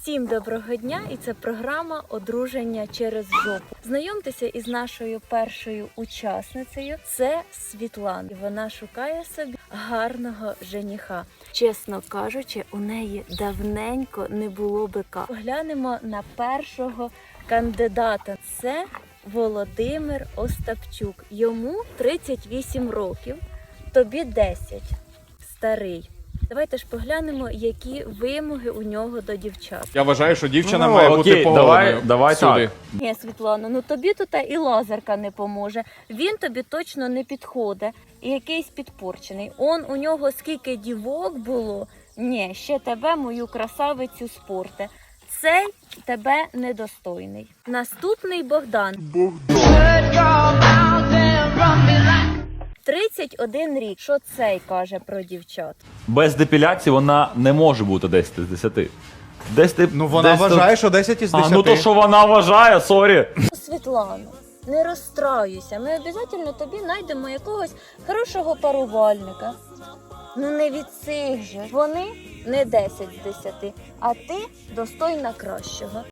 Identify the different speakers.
Speaker 1: Всім доброго дня! І це програма «Одруження через жопу». Знайомтеся із нашою першою учасницею. Це Світлана. І вона шукає собі гарного жениха. Чесно кажучи, у неї давненько не було бика. Поглянемо на першого кандидата. Це Володимир Остапчук. Йому 38 років, тобі 10. Старий. Давайте ж поглянемо, які вимоги у нього до дівчат.
Speaker 2: Я вважаю, що дівчина має бути поводною.
Speaker 3: Давай
Speaker 2: сюди.
Speaker 1: Ні, Світлано, ну тобі тут і лазерка не поможе. Він тобі точно не підходить. І якийсь підпорчений. У нього скільки дівок було. Ні, ще тебе, мою красавицю, спорте. Цей тебе недостойний. Наступний Богдан. 31 рік. Що цей каже про дівчат?
Speaker 3: Без депіляції вона не може бути 10 з 10. Десь ти,
Speaker 2: Ну вона вважає, що 10 із 10.
Speaker 3: А, ну то що вона вважає, сорі.
Speaker 1: Світлано, не розстраюйся. Ми обов'язково тобі знайдемо якогось хорошого парувальника. Ну не від цих же. Вони не 10 з 10, а ти достойна кращого.